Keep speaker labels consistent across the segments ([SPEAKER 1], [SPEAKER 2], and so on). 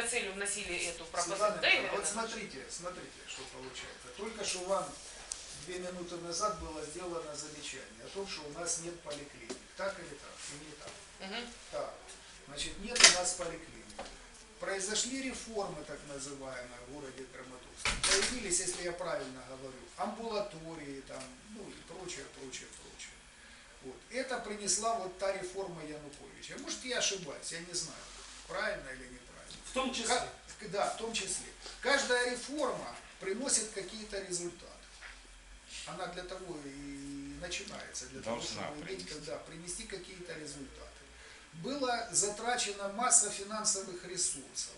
[SPEAKER 1] целью вносили эту пропозицию.
[SPEAKER 2] Светлана,
[SPEAKER 1] Да, Игорь
[SPEAKER 2] вот
[SPEAKER 1] Анатольевич?
[SPEAKER 2] смотрите, что получается. Только что вам 2 минуты назад было сделано замечание о том, что у нас нет поликлиник. Так или так? И не так.
[SPEAKER 1] Угу.
[SPEAKER 2] Так. Значит, нет у нас поликлиник. Произошли реформы, так называемые, в городе Краматорске. Появились, если я правильно говорю, амбулатории, там, ну и прочее, прочее, прочее. Вот. Это принесла вот та реформа Януковича. Может, я ошибаюсь, я не знаю, правильно или неправильно.
[SPEAKER 3] В том числе.
[SPEAKER 2] Да, в том числе. Каждая реформа приносит какие-то результаты. Она для того и начинается, для того, чтобы иметь, принести какие-то результаты. Была затрачена масса финансовых ресурсов,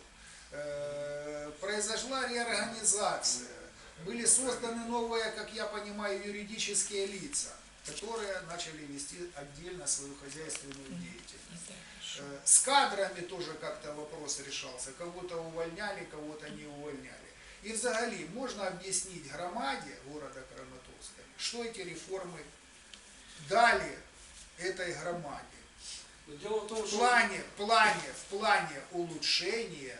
[SPEAKER 2] произошла реорганизация, были созданы новые, как я понимаю, юридические лица, которые начали вести отдельно свою хозяйственную деятельность. С кадрами тоже как-то вопрос решался, кого-то увольняли, кого-то не увольняли. И взагалі можно объяснить громаде города Краматорска, что эти реформы дали этой громаде.
[SPEAKER 3] Дело в том,
[SPEAKER 2] В плане улучшения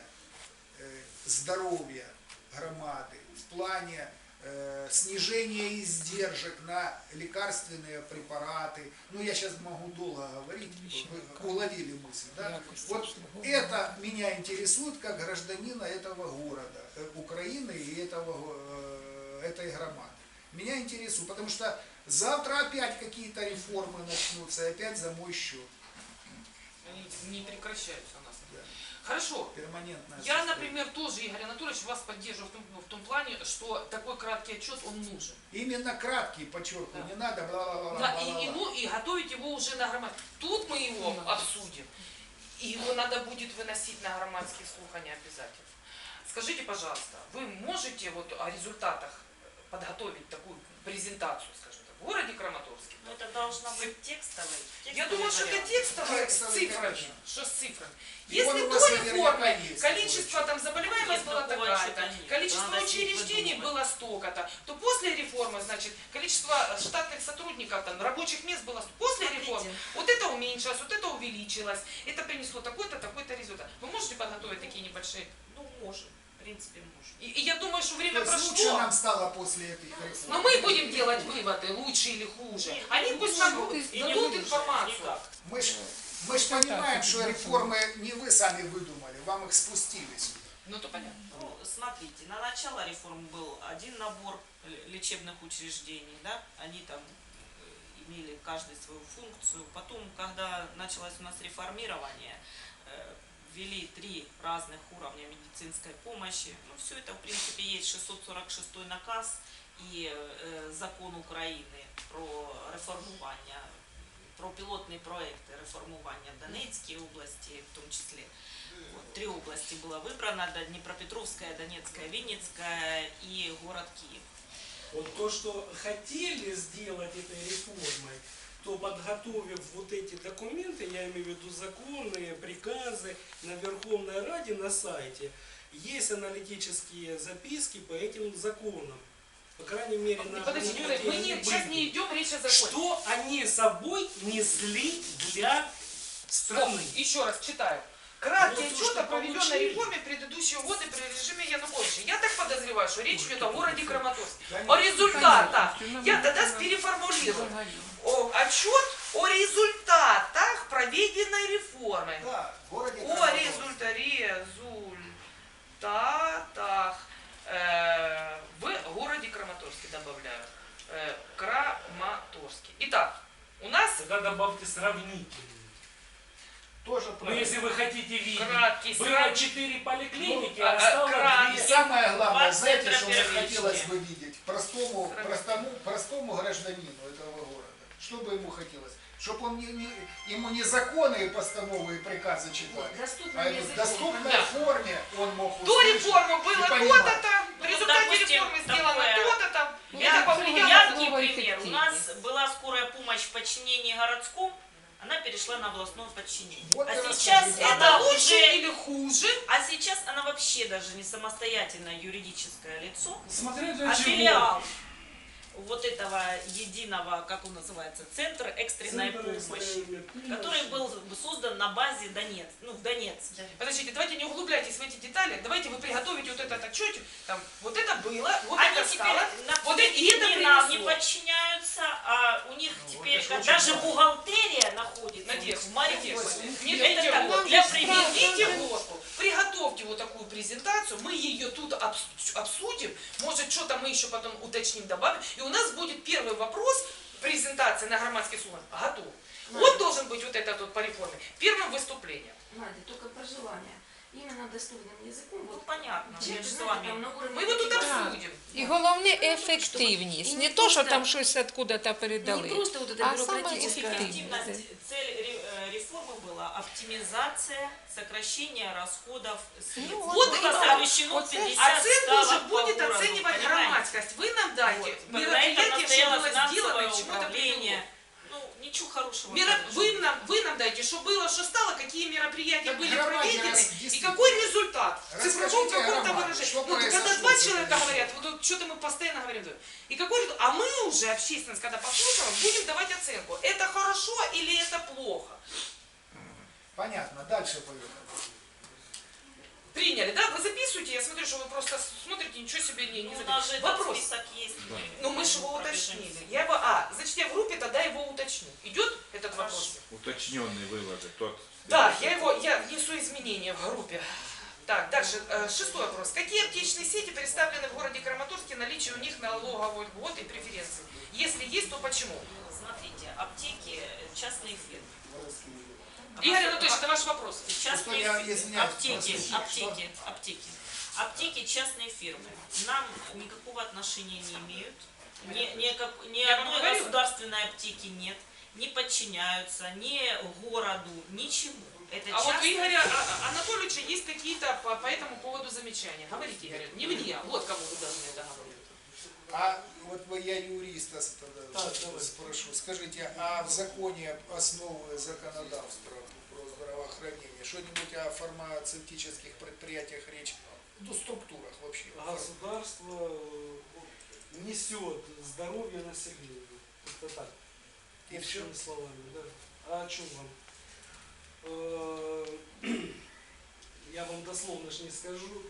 [SPEAKER 2] здоровья громады, в плане снижения издержек на лекарственные препараты. Ну, я сейчас могу долго говорить, вы уловили мысль, да? Вот это меня интересует как гражданина этого города, Украины и этой громады. Меня интересует, потому что завтра опять какие-то реформы начнутся, и опять за мой счет.
[SPEAKER 1] Они не прекращаются у нас.
[SPEAKER 2] Да.
[SPEAKER 1] Хорошо.
[SPEAKER 2] Перманентная
[SPEAKER 1] Я,
[SPEAKER 2] состояние.
[SPEAKER 1] например, тоже, Игорь Анатольевич, вас поддерживаю в том плане, что такой краткий отчет, он нужен.
[SPEAKER 2] Именно краткий, подчеркиваю,
[SPEAKER 1] Да.
[SPEAKER 2] не надо бла-бла-бла.
[SPEAKER 1] Да, и готовить его уже на громаде. Тут мы его обсудим. И его надо будет выносить на громадские слухания обязательно. Скажите, пожалуйста, вы можете вот о результатах подготовить такую презентацию, скажем так, в городе Краматорске?
[SPEAKER 4] Ну, это должно быть текстовый.
[SPEAKER 1] Я думаю, что это текстовое с
[SPEAKER 2] Текстовый,
[SPEAKER 1] цифрами.
[SPEAKER 2] конечно.
[SPEAKER 1] Что с цифрами?
[SPEAKER 2] И
[SPEAKER 1] Если
[SPEAKER 2] он у
[SPEAKER 1] до
[SPEAKER 2] вас наверняка
[SPEAKER 1] реформы
[SPEAKER 2] есть,
[SPEAKER 1] количество
[SPEAKER 2] такой
[SPEAKER 1] там заболеваемость
[SPEAKER 4] Нет,
[SPEAKER 1] была
[SPEAKER 4] такого
[SPEAKER 1] такая-то,
[SPEAKER 4] отчета нет.
[SPEAKER 1] количество
[SPEAKER 4] Надо
[SPEAKER 1] учреждений
[SPEAKER 4] выдумать.
[SPEAKER 1] было столько-то, то после реформы, значит, количество штатных сотрудников, там, рабочих мест было после
[SPEAKER 4] Смотрите.
[SPEAKER 1] реформы. Вот это уменьшилось, вот это увеличилось. Это принесло такой-то, такой-то результат. Вы можете подготовить такие небольшие?
[SPEAKER 4] Ну, можем. В принципе, можем.
[SPEAKER 1] И я думаю, что
[SPEAKER 2] То
[SPEAKER 1] время
[SPEAKER 2] есть лучше
[SPEAKER 1] прошло.
[SPEAKER 2] нам стало после этой реформы.
[SPEAKER 1] Но мы будем делать выводы, лучше или хуже.
[SPEAKER 4] Нет,
[SPEAKER 1] Они
[SPEAKER 4] не
[SPEAKER 1] пусть
[SPEAKER 4] лучше.
[SPEAKER 1] нам
[SPEAKER 4] И не
[SPEAKER 1] дадут
[SPEAKER 4] лучше.
[SPEAKER 1] информацию.
[SPEAKER 4] Никак.
[SPEAKER 2] Мы ж понимаем, что реформы не вы сами выдумали, вам их спустили сюда.
[SPEAKER 1] Ну, то понятно.
[SPEAKER 4] Ну, смотрите, на начало реформ был один набор лечебных учреждений, да, они там имели каждый свою функцию. Потом, когда началось у нас реформирование, ввели 3 разных уровня медицинской помощи. Ну, все это, в принципе, есть 646 наказ и закон Украины про реформування, про пилотные проекты реформування в Донецкой области, в том числе. Вот, 3 области было выбрано: Днепропетровская, Донецкая, Винницкая и город Киев.
[SPEAKER 3] Вот то, что хотели сделать этой реформой, то, подготовив вот эти документы, я имею в виду законы, приказы, на Верховной Раде на сайте, есть аналитические записки по этим законам. По крайней мере, на
[SPEAKER 1] Подождите,
[SPEAKER 3] моменте
[SPEAKER 1] мы
[SPEAKER 3] они
[SPEAKER 1] сейчас
[SPEAKER 3] были.
[SPEAKER 1] не идем, речь о законе.
[SPEAKER 3] Что они собой несли для страны?
[SPEAKER 1] Еще раз читаю. Краткий
[SPEAKER 3] Вот то,
[SPEAKER 1] отчет
[SPEAKER 3] что
[SPEAKER 1] о проведенной
[SPEAKER 3] получили.
[SPEAKER 1] реформе предыдущего года при режиме Януковича. Я так подозреваю, что речь идет о городе Краматорске.
[SPEAKER 2] Конечно.
[SPEAKER 1] О результатах. Я тогда переформулирую. Отчет о результатах проведенной реформы.
[SPEAKER 2] Да, в городе
[SPEAKER 1] О
[SPEAKER 2] Краматорске.
[SPEAKER 1] результатах в городе Краматорске, добавляю. Краматорске. Итак, у нас
[SPEAKER 3] Тогда добавьте сравнительно.
[SPEAKER 2] Тоже
[SPEAKER 3] Но
[SPEAKER 2] правильно.
[SPEAKER 3] если вы хотите видеть,
[SPEAKER 1] Краткий
[SPEAKER 3] было
[SPEAKER 1] сравнительный.
[SPEAKER 3] 4 поликлиники,
[SPEAKER 1] Ну,
[SPEAKER 3] а стало
[SPEAKER 1] краткий.
[SPEAKER 2] И
[SPEAKER 3] 2.
[SPEAKER 2] самое главное,
[SPEAKER 4] Два
[SPEAKER 2] знаете,
[SPEAKER 4] центра
[SPEAKER 2] что мне
[SPEAKER 4] первички.
[SPEAKER 2] хотелось бы видеть простому гражданину этого города. Что бы ему хотелось? Чтобы он ему не законы и постановы и приказы читали, а в доступной
[SPEAKER 1] Да.
[SPEAKER 2] форме он мог
[SPEAKER 1] до
[SPEAKER 2] услышать
[SPEAKER 1] реформы
[SPEAKER 2] и
[SPEAKER 1] было
[SPEAKER 2] понимать.
[SPEAKER 1] то-то там, в
[SPEAKER 4] Ну,
[SPEAKER 1] результате
[SPEAKER 4] допустим,
[SPEAKER 1] реформы сделано
[SPEAKER 4] такое.
[SPEAKER 1] то-то там.
[SPEAKER 4] Я
[SPEAKER 1] Это повлияло.
[SPEAKER 4] яркий
[SPEAKER 5] Слово
[SPEAKER 4] пример. У нас
[SPEAKER 5] эффективность.
[SPEAKER 4] была скорая помощь в подчинении городском, она перешла на областное подчинение.
[SPEAKER 2] Вот
[SPEAKER 4] А
[SPEAKER 2] и
[SPEAKER 4] сейчас
[SPEAKER 2] расскажите.
[SPEAKER 1] Это
[SPEAKER 4] она
[SPEAKER 1] лучше
[SPEAKER 4] уже,
[SPEAKER 1] или хуже?
[SPEAKER 4] а сейчас она вообще даже не самостоятельное юридическое лицо,
[SPEAKER 3] Смотря для
[SPEAKER 4] а
[SPEAKER 3] чего.
[SPEAKER 4] филиал. вот этого единого, как он называется, центр экстренной
[SPEAKER 3] Центр
[SPEAKER 4] помощи,
[SPEAKER 3] экстренной помощи.
[SPEAKER 4] который был создан на базе в Донецке.
[SPEAKER 1] Подождите, давайте не углубляйтесь в эти детали, давайте вы приготовите вот этот отчетик, там, вот это было, вот
[SPEAKER 4] Они
[SPEAKER 1] это
[SPEAKER 4] теперь
[SPEAKER 1] стало, вот это, и это
[SPEAKER 4] не нам не
[SPEAKER 1] принесло.
[SPEAKER 4] подчиняются, а у них теперь
[SPEAKER 2] это очень
[SPEAKER 4] даже
[SPEAKER 2] важно.
[SPEAKER 4] бухгалтерия находится
[SPEAKER 1] Надежда,
[SPEAKER 4] в Мариуполе.
[SPEAKER 1] не
[SPEAKER 4] Это
[SPEAKER 1] дайте
[SPEAKER 4] так,
[SPEAKER 1] голову.
[SPEAKER 4] для
[SPEAKER 1] Приведите
[SPEAKER 4] примера.
[SPEAKER 1] голову. Приготовьте вот такую презентацию, мы ее тут обсудим, может что-то мы еще потом уточним, добавим, и у нас будет первый вопрос, презентация на громадских слухах, готов. Вот должен быть вот этот вот по реформе, первым выступлением.
[SPEAKER 5] Надя, только про желание. Именно доступным языком.
[SPEAKER 4] Ну
[SPEAKER 5] Вот,
[SPEAKER 4] понятно,
[SPEAKER 5] чек,
[SPEAKER 4] мы же с
[SPEAKER 5] знаете,
[SPEAKER 4] вами.
[SPEAKER 5] там на уровне
[SPEAKER 1] Мы его тут
[SPEAKER 5] мотивации.
[SPEAKER 1] обсудим.
[SPEAKER 6] І головне ефективність.
[SPEAKER 5] І
[SPEAKER 6] Не
[SPEAKER 5] не
[SPEAKER 6] то, що
[SPEAKER 5] просто-
[SPEAKER 6] там щось откуда-то
[SPEAKER 5] Не
[SPEAKER 6] передали.
[SPEAKER 5] просто вот это
[SPEAKER 6] А самое
[SPEAKER 5] бюрократическое.
[SPEAKER 6] эффективное.
[SPEAKER 4] Эффективность, цель реформы была оптимизация, сокращение расходов средств.
[SPEAKER 6] Ну,
[SPEAKER 1] вот
[SPEAKER 4] Было
[SPEAKER 1] именно.
[SPEAKER 4] сокращено
[SPEAKER 6] Вот
[SPEAKER 4] 50
[SPEAKER 1] Оценку уже
[SPEAKER 4] ставок по
[SPEAKER 1] будет
[SPEAKER 4] городу,
[SPEAKER 1] оценивать
[SPEAKER 4] понимаете?
[SPEAKER 1] громадскость. Вы нам дайте
[SPEAKER 4] Вот. На этом
[SPEAKER 1] мероприятие, что
[SPEAKER 4] настояло
[SPEAKER 1] было сделано
[SPEAKER 4] финансовое
[SPEAKER 1] и к чему это привело.
[SPEAKER 4] управление. Ну, ничего хорошего.
[SPEAKER 1] Вы нам дайте, что было, что стало, какие мероприятия
[SPEAKER 2] Так
[SPEAKER 1] были
[SPEAKER 2] громаде
[SPEAKER 1] проведены и
[SPEAKER 2] действительно.
[SPEAKER 1] какой результат. В цифровом
[SPEAKER 2] Расскажите,
[SPEAKER 1] каком-то
[SPEAKER 2] громаде,
[SPEAKER 1] выражении.
[SPEAKER 2] что
[SPEAKER 1] Ну, когда
[SPEAKER 2] произошло
[SPEAKER 1] два
[SPEAKER 2] с
[SPEAKER 1] человека
[SPEAKER 2] этой
[SPEAKER 1] говорят, вот что-то мы постоянно говорим. И какой результат? А мы уже, общественность, когда послушала, будем давать оценку. Это хорошо или это плохо?
[SPEAKER 2] Понятно, дальше поехали.
[SPEAKER 1] Приняли, да? Вы записываете, я смотрю, что вы просто смотрите, ничего себе не
[SPEAKER 4] Ну, у нас же
[SPEAKER 1] записываете.
[SPEAKER 4] этот
[SPEAKER 1] Вопрос.
[SPEAKER 4] список есть.
[SPEAKER 1] Ну мы же его уточнили. Я его, значит я в группе тогда его уточню. Идет этот вопрос?
[SPEAKER 7] Уточненные выводы. Тот.
[SPEAKER 1] Да, я внесу изменения в группе. Так, дальше, шестой вопрос. Какие аптечные сети представлены в городе Краматорске, наличие у них налоговой льготы и преференций? Если есть, то почему?
[SPEAKER 4] Смотрите, аптеки, частные фирмы.
[SPEAKER 1] Игорь Анатольевич, это ваш вопрос.
[SPEAKER 4] Частные
[SPEAKER 2] я
[SPEAKER 4] фирмы.
[SPEAKER 2] извиняюсь,
[SPEAKER 4] Аптеки. Аптеки частные фирмы. Нам никакого отношения не имеют. Ни
[SPEAKER 1] Я вам
[SPEAKER 4] одной
[SPEAKER 1] говорила.
[SPEAKER 4] государственной аптеки нет. Не подчиняются ни городу, ничему. Это
[SPEAKER 1] А вот у
[SPEAKER 4] частные
[SPEAKER 1] Игоря Анатольевича есть какие-то по этому поводу замечания. Говорите, Игорь, не мне, вот кому вы должны это говорить.
[SPEAKER 2] А вот я юриста тогда
[SPEAKER 3] Так, давай.
[SPEAKER 2] спрошу. Скажите, а в законе основы законодавства про здравоохранение, что-нибудь о фармацевтических предприятиях речь, ну, структурах вообще?
[SPEAKER 3] Государство несет здоровье населения. Это так.
[SPEAKER 2] И все?
[SPEAKER 3] Общими словами, да. А о чем вам? Я вам дословно ж не скажу.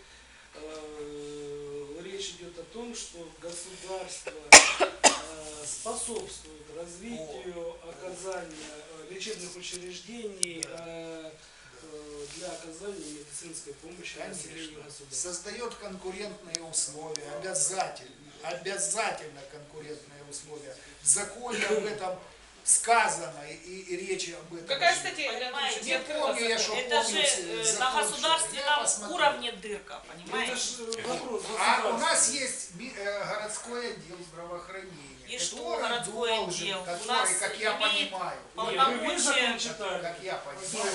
[SPEAKER 3] Речь идет о том, что государство способствует развитию оказания лечебных учреждений для оказания медицинской помощи населению
[SPEAKER 2] Конечно.
[SPEAKER 3] государства.
[SPEAKER 2] Создает конкурентные условия, обязательно конкурентные условия. В законе об этом сказано и речи об этом.
[SPEAKER 1] Какая статья, Игорь
[SPEAKER 4] Понимаете,
[SPEAKER 1] Анатольевич?
[SPEAKER 2] Не помню я, что
[SPEAKER 4] Это
[SPEAKER 2] помню
[SPEAKER 4] же
[SPEAKER 2] закон,
[SPEAKER 4] на
[SPEAKER 2] что я
[SPEAKER 4] государственном
[SPEAKER 2] посмотрю.
[SPEAKER 4] уровне дырка, понимаете?
[SPEAKER 3] Это же вопрос
[SPEAKER 2] А у нас
[SPEAKER 3] государства.
[SPEAKER 2] есть городской отдел здравоохранения,
[SPEAKER 4] И что
[SPEAKER 2] который
[SPEAKER 4] городской
[SPEAKER 2] должен,
[SPEAKER 4] отдел? У
[SPEAKER 2] который,
[SPEAKER 4] нас
[SPEAKER 2] как я
[SPEAKER 4] имеет
[SPEAKER 2] понимаю,
[SPEAKER 3] Вы весь
[SPEAKER 4] полномочия.
[SPEAKER 3] закон читали?
[SPEAKER 2] как я понимаю,